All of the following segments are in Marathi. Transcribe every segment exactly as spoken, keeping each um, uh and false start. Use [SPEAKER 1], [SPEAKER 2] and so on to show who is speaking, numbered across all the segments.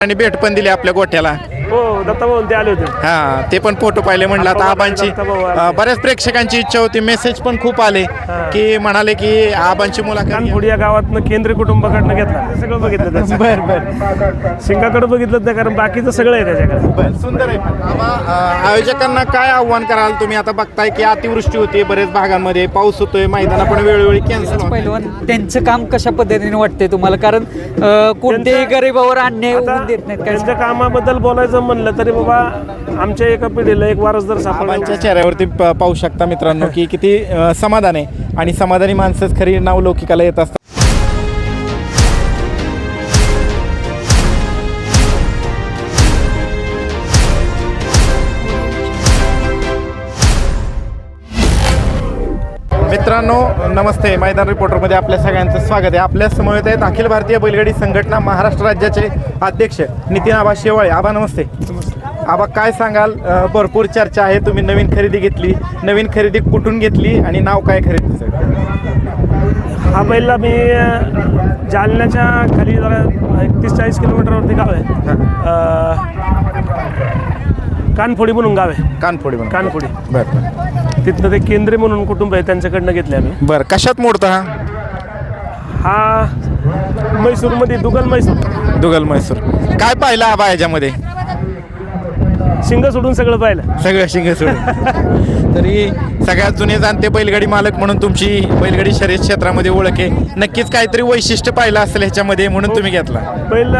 [SPEAKER 1] आणि भेट पण दिली आपल्या गोठ्याला.
[SPEAKER 2] हो दत्ताभाऊ ते आले होते.
[SPEAKER 1] हा ते पण फोटो पाहिले म्हणलं आता आबांची अं, बऱ्याच प्रेक्षकांची इच्छा होती, मेसेज पण खूप आले की म्हणाले की आबांची मुलाखत घ्या.
[SPEAKER 2] कानफोडी या गावातनं केंद्रीय कुटुंबाकडनं घेतला, ते सगळं बघितलं त्याचं.
[SPEAKER 1] बर बर
[SPEAKER 2] शिंगाकडे बघितलं नाही, कारण बाकीचं सगळं आहे त्याच्याकडे.
[SPEAKER 1] बर सुंदर आहे. आबा, अं, आयोजकांना काय आव्हान कराल तुम्ही? आता बघताय की अतिवृष्टी होते बरेच भागांमध्ये, पाऊस होतोय, मैदान पण वेळोवेळी कॅन्सल.
[SPEAKER 3] पहिलवान त्यांचं काम कशा पद्धतीने वाटते तुम्हाला? कारण अं, कोणत्याही गरीबावर अन्याय
[SPEAKER 2] आता
[SPEAKER 3] होऊन देत नाहीत काय?
[SPEAKER 2] त्यांच्या कामाबद्दल बोलायचं म्हणलं तरी बाबा आमच्या एका पिढीला एक वारसदार सापडला.
[SPEAKER 1] आबांच्या चेहऱ्यावरती प- पाहू शकता मित्रांनो की किती अं, समाधान आहे आणि समाधानी माणसंच खरी नावलौकिकाला येत असतात. मित्रांनो नमस्ते, मैदान रिपोर्टरमध्ये आपल्या सगळ्यांचं स्वागत आहे. आपल्या समवेत आहेत अखिल भारतीय बैलगाडी संघटना महाराष्ट्र राज्याचे अध्यक्ष नितीन आबा शेवाळे. आबा नमस्ते. आबा काय सांगाल? अ, भरपूर चर्चा आहे, तुम्ही नवीन खरेदी घेतली, नवीन खरेदी कुठून घेतली आणि नाव काय खरेदीचं?
[SPEAKER 2] हा बैल मी अं, जालन्याच्या खाली जरा एकतीस चाळीस किलोमीटरवरती गाव आहे, अं, कानफोडी म्हणून गाव आहे.
[SPEAKER 1] कानफोडी म्हणून.
[SPEAKER 2] कानफोडी
[SPEAKER 1] बरं
[SPEAKER 2] तिथनं ते केंद्रीय म्हणून कुटुंब आहे, त्यांच्याकडनं घेतले आम्ही.
[SPEAKER 1] बरं कशात मोडता हा?
[SPEAKER 2] हा म्हैसूरमध्ये दुगल म्हैसूर.
[SPEAKER 1] दुगल म्हैसूर. काय पाहिलं आबा याच्यामध्ये?
[SPEAKER 2] शिंग सोडून सगळं पाहिलं.
[SPEAKER 1] सगळं शिंग सोडून. तरी सगळ्यात जुने जाणते बैलगाडी मालक म्हणून तुमची बैलगाडी शर्यत क्षेत्रामध्ये ओळख आहे. नक्कीच काहीतरी वैशिष्ट्य पाहिलं असेल ह्याच्यामध्ये म्हणून तुम्ही घेतला.
[SPEAKER 2] पहिलं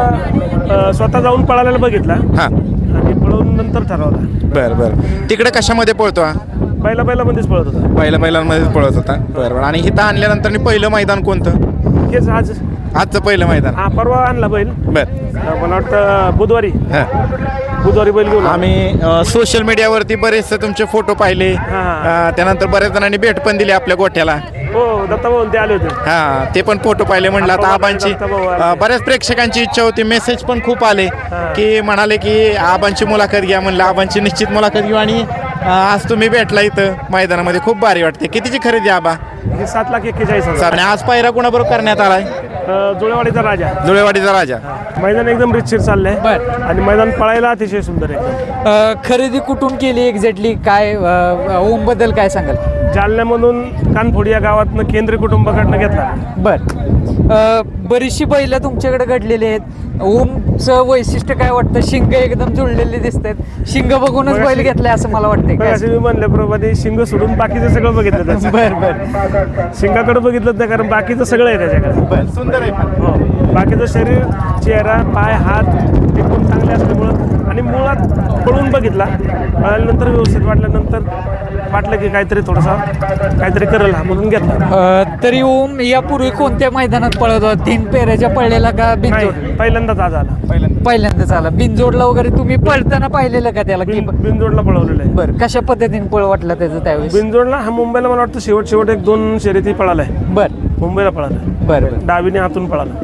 [SPEAKER 2] अं, स्वतः जाऊन पळायला बघितला
[SPEAKER 1] हां
[SPEAKER 2] आणि पळवून नंतर ठरवला.
[SPEAKER 1] बरं बरं. तिकडे कशामध्ये पळतो हा?
[SPEAKER 2] पहिला पहिल्यामध्येच पळत होता.
[SPEAKER 1] पहिल्या बैलांमध्येच पळत होता. बरं बरं. आणि इथं आणल्यानंतर पहिलं मैदान कोणतं?
[SPEAKER 2] हेच आज
[SPEAKER 1] आजचं पहिलं मैदान.
[SPEAKER 2] हा परवा आणला बैल,
[SPEAKER 1] बरं
[SPEAKER 2] मला वाटतं बुधवारी
[SPEAKER 1] हां.
[SPEAKER 2] बुधवारी बैल घेऊन आलो.
[SPEAKER 1] आम्ही सोशल मीडियावरती बरेचसे तुमचे फोटो पाहिले,
[SPEAKER 2] हां.
[SPEAKER 1] अ, त्यानंतर बऱ्याच जणांनी भेट पण दिली आपल्या गोठ्याला.
[SPEAKER 2] हो दत्ताभाऊ ते आले होते.
[SPEAKER 1] हा ते पण फोटो पाहिले म्हणलं आता आबांची अ, बऱ्याच प्रेक्षकांची इच्छा होती, मेसेज पण खूप आले की म्हणाले की आबांची मुलाखत घ्या. म्हणलं आबांची निश्चित मुलाखत घेऊ आणि अ, आज तुम्ही भेटला इथं मैदानामध्ये, खूप भारी वाटते. कितीची खरेदी आबा?
[SPEAKER 2] हे सात लाख एक्केचाळीस हजार.
[SPEAKER 1] आणि आज पायरा कोणाबरोबर करण्यात आलाय?
[SPEAKER 2] अं, जुळेवाडीचा राजा.
[SPEAKER 1] जुळेवाडीचा राजा.
[SPEAKER 2] मैदान एकदम रितशीर चाललंय
[SPEAKER 3] बरं.
[SPEAKER 2] आणि मैदान पळायला अतिशय सुंदर आहे.
[SPEAKER 3] अं, खरेदी कुठून केली एक्झॅक्टली? काय ओम बद्दल काय सांगाल?
[SPEAKER 2] जालन्यामधून कानफोडी या गावातनं केंद्रीय कुटुंबाकडनं घेतला.
[SPEAKER 3] बर बरीचशी बैल तुमच्याकडे घडलेली आहेत. ओमचं वैशिष्ट्य काय वाटतं? शिंग एकदम जुळलेले दिसत आहेत. शिंग बघूनच बैल घेतलाय असं मला वाटतंय. काय?
[SPEAKER 2] असे मी म्हणल्याप्रमाणे शिंग सोडून बाकीचं सगळं बघितलं त्याचं.
[SPEAKER 3] बर बर
[SPEAKER 2] शिंगाकडे बघितलं नाही, कारण बाकीचं सगळं आहे त्याच्याकडे.
[SPEAKER 1] सुंदर आहे.
[SPEAKER 2] हो बाकीचं शरीर, चेहरा, पाय, हात एकदम चांगले असल्यामुळं आणि मुळात पळून बघितला, पळाल्यानंतर व्यवस्थित वाटल्यानंतर वाटलं की काहीतरी थोडासा काहीतरी करेल हा, म्हणून घेतला.
[SPEAKER 3] अं, तरी ओम यापूर्वी कोणत्या मैदानात पळत होता? तीन पेऱ्याच्या पळलेला का बिनजोड?
[SPEAKER 2] नाही, पहिल्यांदाच आज आला.
[SPEAKER 3] पहिल्यांदाच आला. बिनजोडला वगैरे तुम्ही पळताना पाहिलेलं का त्याला? की
[SPEAKER 2] बिन बिनजोडला पळवलेलं आहे.
[SPEAKER 3] बरं कशा पद्धतीने पळ वाटला त्याचं त्यावेळेस?
[SPEAKER 2] बिनजोडला हा मुंबईला मला वाटतं शेवट शेवट एक दोन शर्यती पळालाय.
[SPEAKER 3] बर
[SPEAKER 2] मुंबईला पळाला,
[SPEAKER 3] बरं
[SPEAKER 2] डावीने हातून पळाला.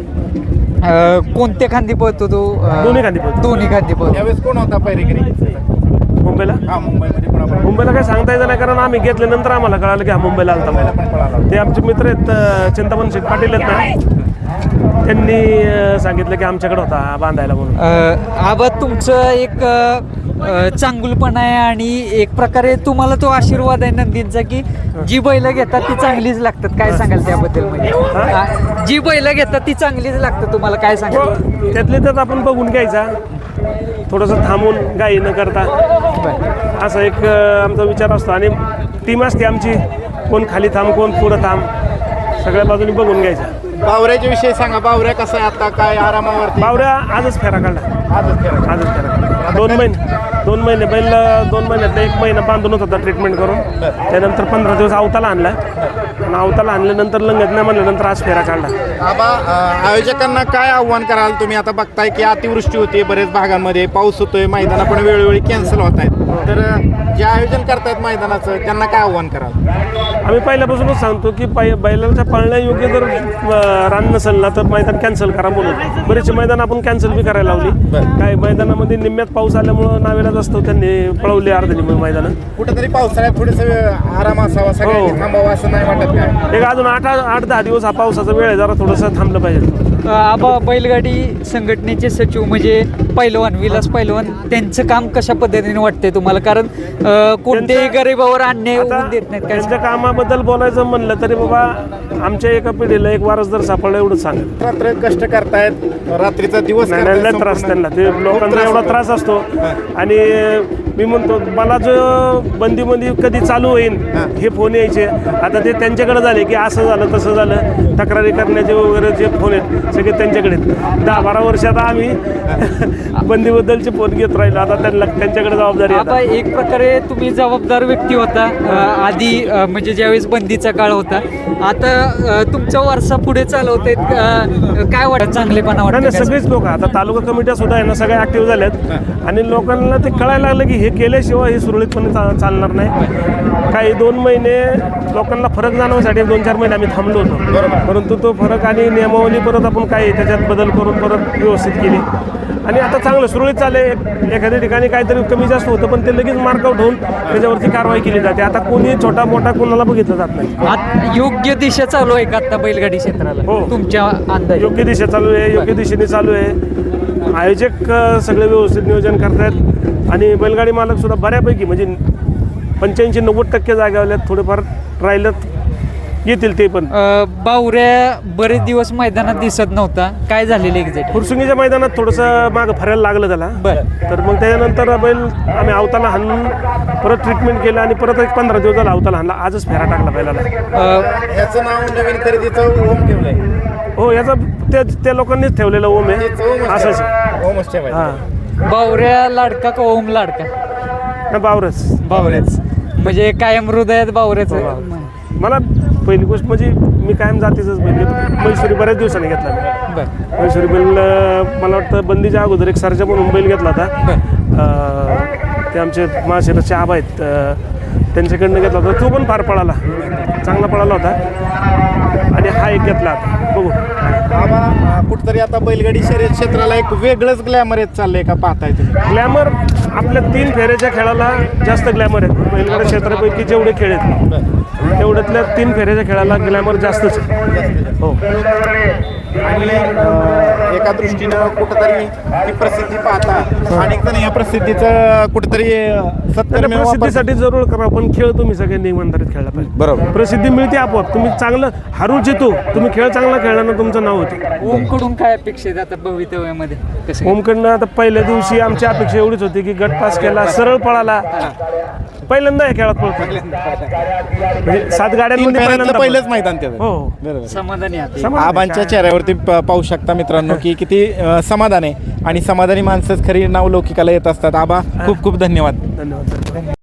[SPEAKER 3] अं, कोणत्या खांदी पळतो तो? अं,
[SPEAKER 2] दोन्ही खांदी पळतो.
[SPEAKER 3] दोन्ही खांदी पळतो.
[SPEAKER 1] यावेळेस कोण होता पैरेगिरी
[SPEAKER 2] मुंबईला
[SPEAKER 1] हा मुंबईमध्ये? कोणाबरोबर?
[SPEAKER 2] मुंबईला काय सांगता येतं नाही, कारण आम्ही घेतल्यानंतर आम्हाला कळालं की हा मुंबईला आलता पहिला. ते आमचे मित्र आहेत, अं, चिंतामण शेठ पाटील आहेत ना, त्यांनी अं, सांगितलं की आमच्याकडे होता हा बांधायला म्हणून.
[SPEAKER 3] अं, आबा तुमचं एक अं, चांगुलपण आहे आणि एक प्रकारे तुम्हाला तो आशीर्वाद आहे नंदींचा की जी बैल घेतात ती चांगलीच लागतात. काय सांगाल त्याबद्दल? म्हणजे आ, जी बैल घेतात ती चांगलीच लागतात, तुम्हाला काय सांगाल?
[SPEAKER 2] हो, त्यातले त्यात आपण बघून घ्यायचा, थोडंसं थांबून गाई न करता, असा एक अं, आमचा विचार असतो. आणि टीम असते आमची, कोण खाली थांब, कोण पुढं थांब, सगळ्या बाजूनी बघून घ्यायचा.
[SPEAKER 1] बावऱ्याच्या विषयी सांगा. बावऱ्या कसं आहे आता? काय आरामावरती?
[SPEAKER 2] बावऱ्या आजच फेरा काढला.
[SPEAKER 1] आजच खेळा.
[SPEAKER 2] आजच फेरा काढला. दोन महिने दोन महिने बैल दोन महिन्यात एक महिना बांधून होता ट्रीटमेंट करून. त्यानंतर पंधरा दिवस अवताला आणला आणि अवताला आणल्यानंतर लंगत नाही म्हणल्यानंतर आज फेरा काढला.
[SPEAKER 1] आबा, अ, आयोजकांना काय आव्हान कराल तुम्ही? आता बघताय की अतिवृष्टी होते बरेच भागांमध्ये, पाऊस होतोय, मैदान पण वेळोवेळी कॅन्सल होत आहेत. तर अ, जे आयोजन करतायत मैदानाचं त्यांना काय आव्हान कराल?
[SPEAKER 2] आम्ही पहिल्यापासूनच सांगतो की पै बैलांच्या पळण्यायोग्य जर अं, रान नसेल ना तर मैदान कॅन्सल करा म्हणून. बरेचसे मैदान आपण कॅन्सल बी करायला लावली. काही मैदानामध्ये निम्म्यात पाऊस आल्यामुळं नावेलाच असतो, त्यांनी पळवली अर्ध निम्म मैदान.
[SPEAKER 1] कुठेतरी पावसाळ्यात थोडंसं आराम असावा, सगळ्यांनी थांबावं असं नाही वाटत काय?
[SPEAKER 2] एक अजून आठ आठ दहा दिवस हा पावसाचा वेळ आहे, जरा थोडंसं थांबलं पाहिजे.
[SPEAKER 3] अ, आबा बैलगाडी संघटनेचे सचिव म्हणजे पैलवान विलास पैलवान त्यांचं काम कशा पद्धतीने वाटतंय तुम्हाला? कारण अ, कोणत्याही गरीबावर अन्याय
[SPEAKER 2] आता
[SPEAKER 3] होऊन देत नाहीत काय
[SPEAKER 2] त्यांच्या कामाबद्दल बोलायचं म्हणलं तरी बाबा आमच्या एका पिढीला एक वारसदार सापडला एवढंच सांगेल.
[SPEAKER 1] रात्र कष्ट करतायत, रात्रीचा दिवस
[SPEAKER 2] नाही
[SPEAKER 1] करतायत
[SPEAKER 2] नाही, लय त्रास
[SPEAKER 1] संपूर्ण.
[SPEAKER 2] त्यांना, ते
[SPEAKER 1] खूप
[SPEAKER 2] लोकांचा एवढा
[SPEAKER 1] होतो.
[SPEAKER 2] त्रास असतो. आणि मी म्हणतो मला जो बंदीमध्ये कधी चालू होईल हे फोन यायचे, आता ते त्यांच्याकडे झाले की असं झालं तसं झालं, तक्रारी करण्याचे वगैरे जे फोन आहेत सगळे त्यांच्याकडे आहेत. दहा बारा वर्षात आम्ही बंदीबद्दलचे फोन घेत राहिलो, आता त्यांना त्यांच्याकडे जबाबदारी आहे
[SPEAKER 3] आबा
[SPEAKER 2] आता.
[SPEAKER 3] एक प्रकारे तुम्ही जबाबदार व्यक्ती होता अ, आधी अ, म्हणजे ज्यावेळेस बंदीचा काळ होता. आता अ, तुमचा वारसा पुढे चालवते काय वाटत? चांगलेपणा
[SPEAKER 2] नाही
[SPEAKER 3] वाटत
[SPEAKER 2] नाही, सगळेच लोक आता तालुका कमिट्या सुद्धा आहे ना सगळ्या ऍक्टिव्ह झाल्यात आणि लोकांना ते कळायला लागलं की हे केल्याशिवाय हे सुरळीतपणे चा- चालणार नाही. काही दोन महिने लोकांना फरक जाणवण्यासाठी दोन चार महिने आम्ही थांबलो होतो, परंतु तो फरक आणि नियमावली परत आपण काय त्याच्यात बदल करून परत व्यवस्थित केली आणि आता चांगलं सुरळीत चालले. एखाद्या ठिकाणी काहीतरी कमी जास्त होतं पण ते लगेच मार्कआउट होऊन त्याच्यावरती कारवाई केली जाते. आता कोणी छोटा मोठा कोणाला बघितलं जात नाही.
[SPEAKER 3] आत- योग्य दिशा चालू आहे का आता बैलगाडी क्षेत्राला
[SPEAKER 2] हो.
[SPEAKER 3] तुमच्या अंदाज?
[SPEAKER 2] योग्य दिशा चालू आहे, योग्य दिशेने चालू आहे. आयोजक अ, सगळे व्यवस्थित नियोजन करतायत आणि बैलगाडी मालक सुद्धा बऱ्यापैकी म्हणजे पंच्याऐंशी नव्वद टक्के जागेवाल्यात, थोडेफार राहिलेत येतील ते पण.
[SPEAKER 3] अ, बावऱ्या बरेच दिवस मैदानात दिसत नव्हता, काय झालेलं एक्झॅक्ट?
[SPEAKER 2] फुरसुंगीच्या मैदानात थोडंसं मागं फिरायला लागलं त्याला.
[SPEAKER 3] बरं.
[SPEAKER 2] तर मग त्याच्यानंतर बैल आम्ही अवताला हाणून परत ट्रीटमेंट केलं आणि परत एक पंधरा दिवस झाला अवताला हाणला. आजच फेरा टाकला बैलाला.
[SPEAKER 1] याचं नाव नवीन खरेदीचं ओम ठेवलंय.
[SPEAKER 2] हो, याचा त्या त्या लोकांनीच ठेवलेलं ओम आहे
[SPEAKER 1] तेच ओमच
[SPEAKER 2] असंच
[SPEAKER 1] ठेवायचं. ओमच ठेवायचं.
[SPEAKER 2] हां,
[SPEAKER 3] बावऱ्या लाडका का ओम लाडका?
[SPEAKER 2] नाही, बावरच.
[SPEAKER 3] बावऱ्याच म्हणजे कायम हृदयात बावऱ्याच.
[SPEAKER 2] मला पहिली गोष्ट म्हणजे मी कायम जातीचंच बैल घेतो. मैसुरी बऱ्याच दिवसांनी घेतला मी.
[SPEAKER 3] बर
[SPEAKER 2] मैसुरी बैल अं, मला वाटतं बंदीच्या अगोदर एक सरजा म्हणून बैल घेतला होता. अं, ते आमचे महाशिराचे आबा आहेत, अं, त्यांच्याकडनं घेतला होता. तो पण फार पळाला, चांगला पळाला होता. आणि हा एक घेतला आता बघू.
[SPEAKER 1] आबा अं, कुठतरी आता बैलगाडी शर्यत क्षेत्राला एक वेगळंच ग्लॅमर येत चाललंय का पाहताय तुम्ही?
[SPEAKER 2] ग्लॅमर आपल्या तीन फेऱ्याच्या खेळाला जास्त ग्लॅमर आहेत. बैलगाडी क्षेत्रापैकी जेवढे खेळ आहेत तेवढ्यातल्या तीन फेऱ्याच्या खेळाला ग्लॅमर जास्तच आहे. हो,
[SPEAKER 1] आणि अं, एका दृष्टीनं कुठंतरी ही प्रसिद्धी पाहता अनेक जण या प्रसिद्धीचं कुठंतरी अं, सत्तर
[SPEAKER 2] तर प्रसिद्धीसाठी जरूर करा, पण खेळ तुम्ही सगळ्यांनी इमानदारीत खेळला पाहिजे.
[SPEAKER 1] बरोबर.
[SPEAKER 2] प्रसिद्धी मिळते आपोआप. तुम्ही चांगलं हरू जितो, तुम्ही खेळ चांगला खेळल्यानं तुमचं नाव होते.
[SPEAKER 3] ओमकडून काय अपेक्षित आता भवितव्यामध्ये कसं?
[SPEAKER 2] ओमकडनं आता पहिल्या दिवशी आमची अपेक्षा एवढीच होती की गट पास केला, सरळ पळाला. पहिल्यांदा या खेळात पळतो म्हणजे सात
[SPEAKER 1] तीन
[SPEAKER 2] गाड्यांमध्ये
[SPEAKER 1] फेऱ्यातलं
[SPEAKER 2] पहिल्यांदा
[SPEAKER 1] पहिलंच
[SPEAKER 2] पळतो.
[SPEAKER 1] मैदान त्याचं.
[SPEAKER 2] हो, हो.
[SPEAKER 1] बरोबर.
[SPEAKER 3] समाधानी आहे
[SPEAKER 2] समाधानी
[SPEAKER 1] आबांच्या
[SPEAKER 2] काय?
[SPEAKER 1] चेहऱ्यावरती प- पाहू शकता मित्रांनो की किती अं, समाधान आहे आणि समाधानी माणसंच खरी नावलौकिकाला येत असतात. आबा खूप खूप धन्यवाद.
[SPEAKER 2] धन्यवाद.